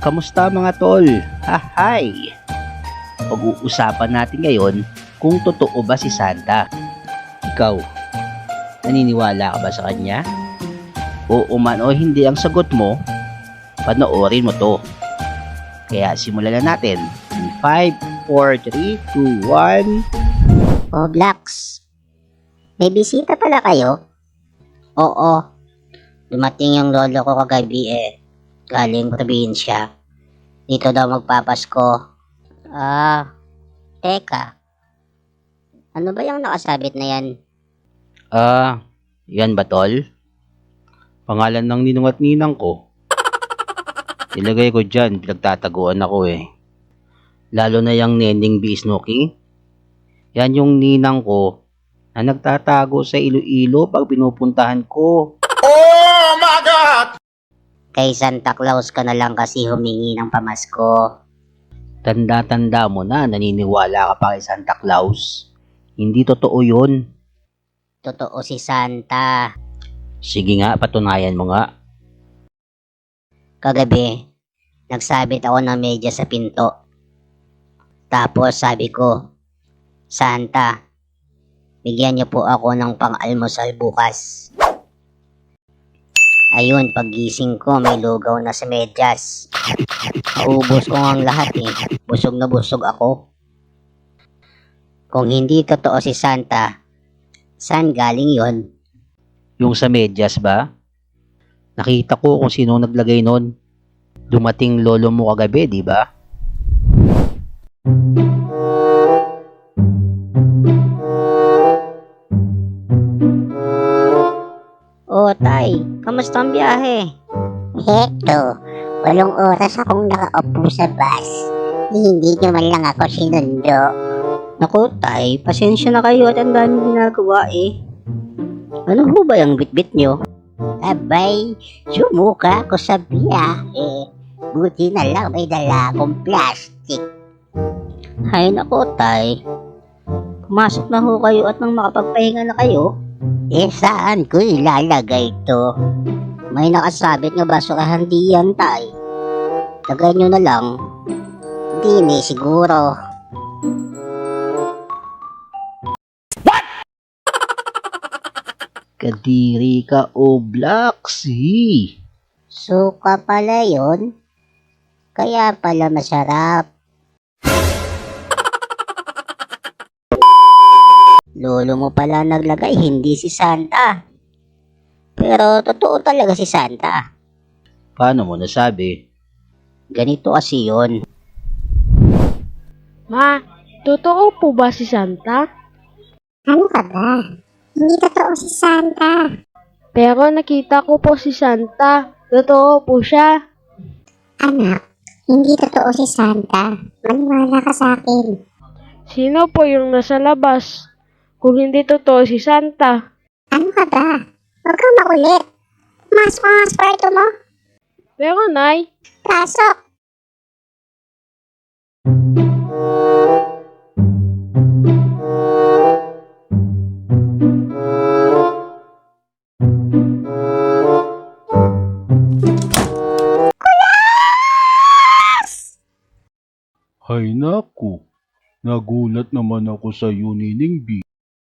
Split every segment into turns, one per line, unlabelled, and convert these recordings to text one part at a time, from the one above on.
Kamusta mga tol? Hi! Pag-uusapan natin ngayon kung totoo ba si Santa. Ikaw, naniniwala ka ba sa kanya? Oo man o hindi ang sagot mo, panoorin mo to. Kaya simulan na natin. In 5, 4, 3, 2, 1.
O Blacks, may bisita pala kayo? Oo, dumating yung lolo ko kagabi galing probinsya. Dito daw magpapasko. Teka. Ano ba yung nakasabit na yan?
Yan ba tol? Pangalan ng ninong at ninang ko. Ilagay ko dyan, pinagtataguan ako Lalo na yung Neneng Bisnoki. Yan yung ninang ko na nagtatago sa Iloilo pag pinupuntahan ko.
Oh my God!
Kay Santa Claus ka na lang kasi humingi ng pamasko.
Tanda-tanda mo na naniniwala ka pa kay Santa Claus. Hindi totoo yun.
Totoo si Santa.
Sige nga, patunayan mo nga.
Kagabi, nagsabit ako ng medyas sa pinto. Tapos sabi ko, Santa, bigyan niyo po ako ng pang-almusal bukas. Ayun, paggising ko, may lugaw na sa medyas. Naubos ko ang lahat Busog na busog ako. Kung hindi totoo si Santa, saan galing yon?
Yung sa medyas ba? Nakita ko kung sino naglagay nun. Dumating lolo mo kagabi, di ba?
Oh, Tay, kamusta ang biyahe? Heto, 8 oras akong nakaupo sa bus. Hindi nyo man lang ako sinundo.
Naku, Tay, pasensya na kayo at ang daming ginagawa Ano ho ba yung bitbit nyo?
Abay, sumuka ako sa biyahe. Buti na lang may dala akong plastic.
Hay nako, Tay. Pumasok na ho kayo at nang makapagpahinga na kayo.
Saan ko ilalagay to?
May nakasabit nga basurahan diyan, Tay. Lagay nyo na lang.
Hindi siguro.
Kadiri ka o Blacks,
Suka pala yon. Kaya pala masarap. Lolo mo pala naglagay, hindi si Santa. Pero totoo talaga si Santa.
Paano mo nasabi?
Ganito kasi yun.
Ma, totoo po ba si Santa?
Ano ka ba? Hindi totoo si Santa.
Pero nakita ko po si Santa. Totoo po siya.
Anak, hindi totoo si Santa. Maniwala ka sa akin.
Sino po yung nasa labas? Kung hindi totoo si Santa.
Ano ka ba? Huwag kang makulit. Masok ka nga sa kwarto mo.
Pero Nay,
Pasok.
Hay naku, nagulat naman ako sa iyo, Nining B.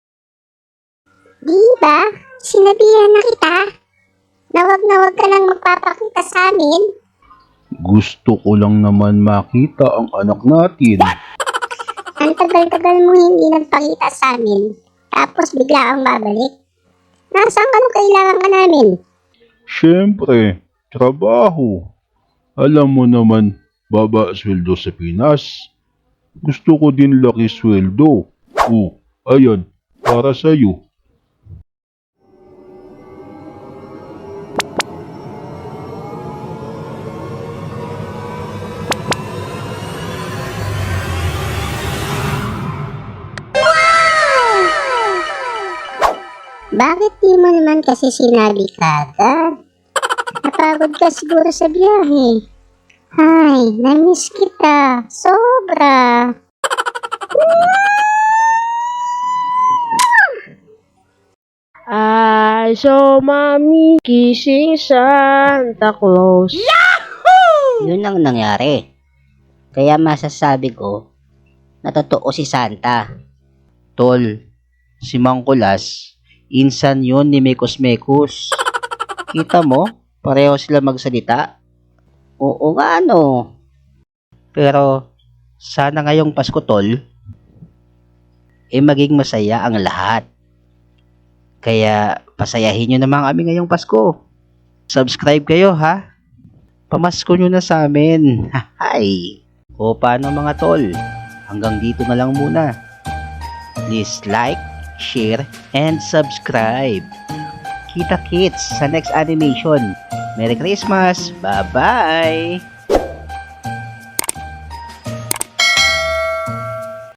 Di ba? Sinabihan na kita na wag ka lang magpapakita sa amin.
Gusto ko lang naman makita ang anak natin.
Ang tagal-tagal mo hindi nagpakita sa amin. Tapos bigla ang babalik. Nasaan ka nung kailangan ka namin?
Siyempre, trabaho. Alam mo naman, baba sweldo sa Pinas. Gusto ko din laki sweldo. Oh, ayan, para sa'yo.
Bakit di mo naman kasi sinabi kagad? Napagod ka siguro sa biyahe. Hay, namiss kita. Sobra.
I saw Mommy kissing Santa Claus.
Yun ang nangyari. Kaya masasabi ko na totoo si Santa.
Tol, si Mang Kulas, insan yun ni Mekos Mekos. Kita mo, pareho sila magsalita.
Oo nga no.
Pero, sana ngayong Pasko, Tol, maging masaya ang lahat. Kaya, pasayahin nyo naman kami ngayong Pasko. Subscribe kayo, ha? Pamasko nyo na sa amin. Hay! O paano mga tol? Hanggang dito na lang muna. Please like, share, and subscribe. Kita-kits sa next animation. Merry Christmas! Bye-bye!